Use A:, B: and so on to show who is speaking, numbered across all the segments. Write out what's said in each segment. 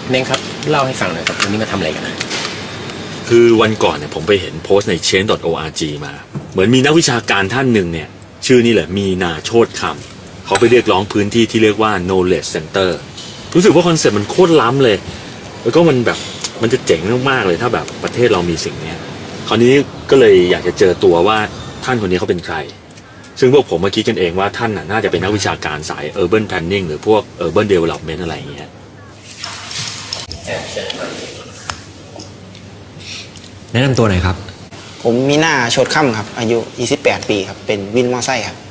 A: เน่งครับเล่าให้ฟังหน่อยครับวันนี้มาทำอะไรกันนะ
B: คือวันก่อนเนี่ยผมไปเห็นโพสต์ใน change.org มาเหมือนมีนักวิชาการท่านหนึ่งเนี่ยชื่อนี่แหละมีนาโชติคำเขาไปเรียกร้องพื้นที่ที่เรียกว่า knowledge center รู้สึกว่าคอนเซ็ปต์มันโคตรล้ำเลยแล้วก็มันแบบมันจะเจ๋งมากๆเลยถ้าแบบประเทศเรามีสิ่งนี้คราวนี้ก็เลยอยากจะเจอตัวว่าท่านคนนี้เขาเป็นใครซึ่งพวกผมมาคิดกันเองว่าท่านน่าจะเป็นนักวิชาการสาย urban planning หรือพวก urban development อะไรอย่างเงี้ย
C: แนะนำตัวหน่อยครับ
D: ผมมีหน้าโชดค่ำครับอายุ28ปีครับเป็นวินมอไซค์ครับ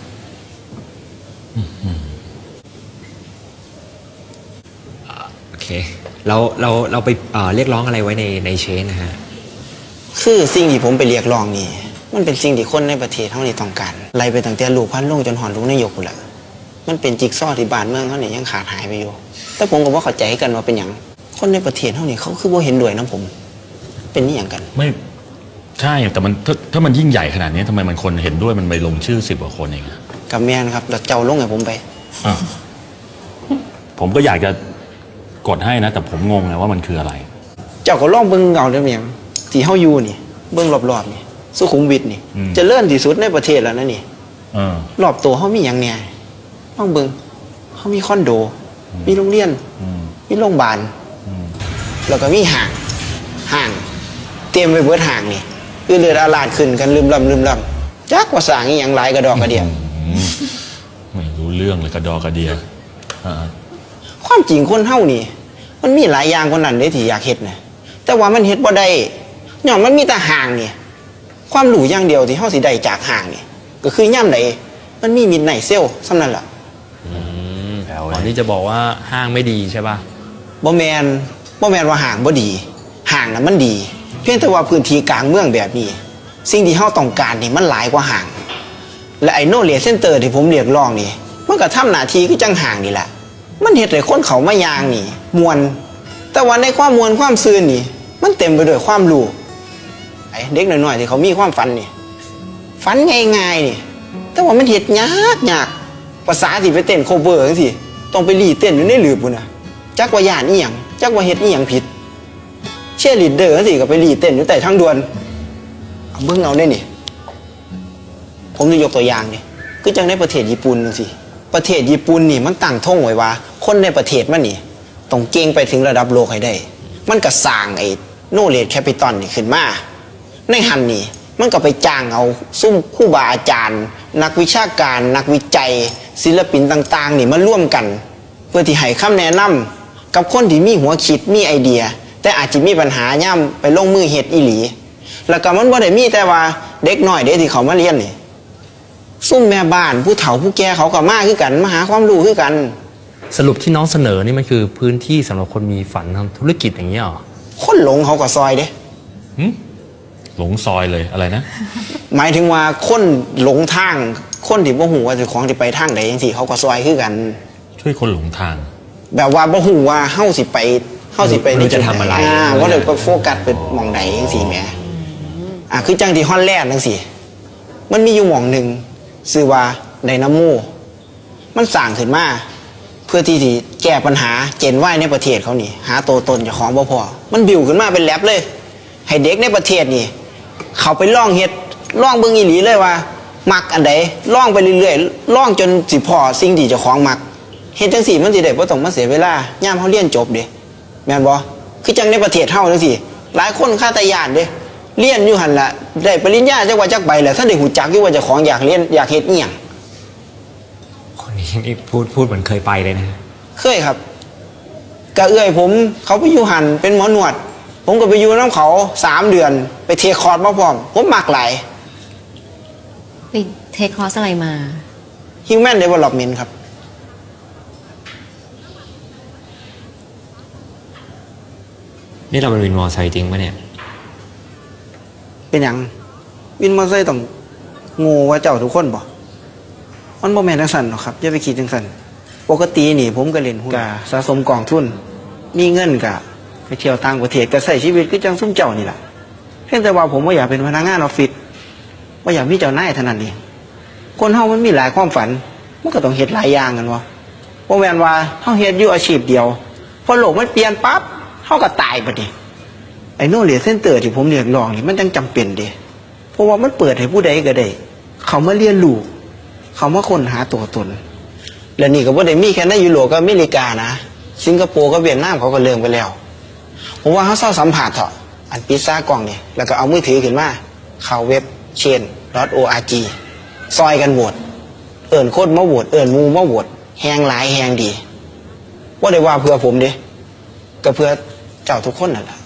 C: โอเคเราไปเรียกร้องอะไรไว้ในเชนนะฮะ
D: คือสิ่งที่ผมไปเรียกร้องนี่มันเป็นสิ่งที่คนในประเทศเท่านี้ต้องการไล่ไปตั้งแต่ลูกพันลงจนหอนลูกนายกแหละมันเป็นจิ๊กซอว์ที่บ้านเมืองเท่านี้ยังขาดหายไปอยู่แต่ผมก็ว่าเข้าใจกันว่าเป็นอย่างคนในประเทศเท่านี้เขาคือบ่เห็นด้วยนะผมเป็นนี่อย่างกัน
B: ไม่ใช่แต่มันถ้ามันยิ่งใหญ่ขนาดนี้ทำไมมันคนเห็นด้วยมันไปลงชื่อ10 กว่าคนเอง
D: กับแมนครับแล้วเจ้าลงให้ผมไป
B: ผมก็อยากจะกดให้นะแต่ผมงงไงว่ามันคืออะไร
D: เจ้าก็ลองเบิ่งเอาเด้อเมียงที่เฮาอยู่นี่เบิ่งรอบๆนี่สุขุมวิทนี่จะเลื่อนที่สุดในประเทศแล้วนะนี่รอบตัวเฮามีหยังแหน่ลองเบิ่งเฮามีคอนโดมีโรงเรียนมีโรงพยาบาลแล้วก็มีห้างเตรียมไว้เบิดห้างนี่คือเลือดอาลาดขึ้นกันลืมลำจักว่าสร้างอีหยังหลายกระดอกกระเดีย
B: ไม่รู้เรื่องเลยกระดอกกระเดีย
D: ความจริงคนเฮานี่มันมีหลายอย่างคนนั้นเด้ที่อยากเฮ็ดนะแต่ว่ามันเฮ็ดบ่ได้ย้อนมันมีแต่ห้างนี่ความรู้อย่างเดียวที่เฮาสิได้จากห้างนี่ก็คือย่ำใดมันมีมิดไนท์เซลส่ำนั้นล่ะ
C: ก่อนที่จะบอกว่าห้างไม่ดีใช่ป่ะ
D: บ่แม่นว่าห้างบ่ดีห้างน่ะมันดีเพียงแต่ว่าพื้นที่กลางเมืองแบบนี้สิ่งที่เฮาต้องการนี่มันหลายกว่าห้างและไอ้โนเลจเซ็นเตอร์ที่ผมเรียกร้องนี่มันก็ทำหน้าที่คือจังห้างนี่แหละมันเฮ็ดให้คนเขามายางนี่มวนแต่ว่าในความมวนความซื่นนี่มันเต็มไปด้วยความรู้ไอ้เด็กน้อยๆที่เขามีความฝันนี่ฝันง่ายๆนี่แต่ว่ามันเฮ็ดยากภาษาที่ไปเต้นโคเวอร์จังซี่ต้องไปรีเต้นอยู่ในหลืบพุ่นน่ะจักว่าย่านอีหยังจักว่าเฮ็ดอีหยังผิดเชียร์ลีดเดอร์จังซี่ก็ไปรีเต้นอยู่ใต้ทางด่วนเอาเบิ่งเอาได้นี่ผมจะยกตัวอย่างนี่คือจังในประเทศญี่ปุ่นจังซี่ประเทศญี่ปุ่นนี่มันตั้งธงไว้ว่าคนในประเทศมันนี่ต้องเก่งไปถึงระดับโลกให้ได้มันก็สร้างไอ้โนเลจแคปิตอลนี่ขึ้นมาในหันนี่มันก็ไปจ้างเอาซุ่มครูบาอาจารย์นักวิชาการนักวิจัยศิลปินต่างๆนี่มาร่วมกันเพื่อที่ให้คำแนะนำกับคนที่มีหัวคิดมีไอเดียแต่อาจจะมีปัญหาย่ำไปลงมือเฮ็ดอีหลีแล้วก็มันบ่ได้มีแต่ว่าเด็กน้อยเด็กที่เขามาเรียนนี่ซุ่มแม่บ้านผู้เฒ่าผู้แก่เขาก็มาคือกันมาหาความรู้คือกัน
C: สรุปที่น้องเสนอนี่มันคือพื้นที่สำหรับคนมีฝันทำธุรกิจอย่างนี้หรอ
D: คนหลงเขาก็ซอยเด้
B: หลงซอยเลยอะไรนะ
D: หมายถึงว่าคนหลงทางคนที่บ่ฮู้ว่าเจ้าของสิไปทางใดจังซี่เขาก็ซอยคือกัน
B: ช่วยคนหลงทาง
D: แบบว่าบ่ฮู้ว่าเฮาสิไป
C: จะทำอะไร
D: ว่าเดี๋ยวก็โฟกัสไปหม่องใดจังซี่แหมคือจังที่ฮอลแลนด์จังซี่มันมีอยู่หม่องนึงชื่อว่าไดนาโมมันสร้างขึ้นมาเพื่อที่จะแก้ปัญหาเจนว่ายในประเทศเขานี่หาตัวตนเจ้าของบ่พอมันบิวขึ้นมาเป็นแลบเลยให้เด็กในประเทศนี่เขาไปล่องเฮ็ดล่องเบิ่งอีหลีเลยว่ามักอันใดล่องไปเรื่อยๆล่องจนสิพอสิ่งที่เจ้าของมักเฮ็ดจังซี่มันสิได้บ่ต้องมาเสียเวลายามเฮาเรียนจบเด้แม่นบ่คือจังในประเทศเฮาจังซี่หลายคนคาตาญาณเด้เรียนอยู่หั่นล่ะได้ปริญญาจักว่าจักใบแล้วท่านได้ฮู้จักอยู่ว่าเจ้าของอยากเรียนอยากเฮ็ดอีหยัง
C: คนนี้นี่พูดเหมือนเคยไปเลยนะ
D: เคยครับกะเอื้อยผมเขาไปอยู่หั่นเป็นหมอหนวดผมก็ไปอยู่น้ำเขา3 เดือนไปเทคอร์สมาพร้อมผมมักหลาย
E: ไปเทคคอร์สอะไรมา
D: Human Development ครับ
C: นี่เราเป็นวินมอไซค์จริงปะเนี่ย
D: เป็นอย่างวินมอไซค์ต้องโง่ว่าเจ้าทุกคนบ่มันบ่แม่นจังซั่นหรอกครับอย่าไปคิดจังซั่นปกตินี่ผมก็เล่นหุ้นก็สะสมกองทุนมีเงินก็ไปเที่ยวต่างประเทศก็ใช้ชีวิตคือจังซุ่มเจ้านี่ล่ะเพียงแต่ว่าผมบ่อยากเป็นพนักงานออฟฟิศบ่อยากมีเจ้านายเท่านั้นเองคนเฮามันมีหลายความฝันมันก็ต้องเฮ็ดหลายอย่างกันบ่แม่นว่าเฮาเฮ็ดอยู่อาชีพเดียวพอโลกมันเปลี่ยนปั๊บเขาก็ตายบัดนี้ไอ้โนเลสเซนเตอร์ที่ผมเรียกร้องนี่มันจังจำเป็นเด้เพราะว่ามันเปิดให้ผู้ใดก็ได้เขามาเรียนรู้เขามาค้นหาตัวตนและนี่ก็บ่ได้มีแค่ในยุโรปกับอเมริกานะสิงคโปร์กับเวียดนามเขาก็เริ่มไปแล้วผมว่าเขาเศร้าสัมผัสเถอะอันปิดซ่ากล่องเนี่ยแล้วก็เอามือถือขึ้นมาเข้าเว็บ chain.org ซอยกันโหวตเอิ้นคนมาโหวตเอิ้นหมู่มาโหวตแฮงหลายแฮงดีว่าได้ว่าเพื่อผมเด้ก็เพื่อเจ้าทุกคนนั่นแหละ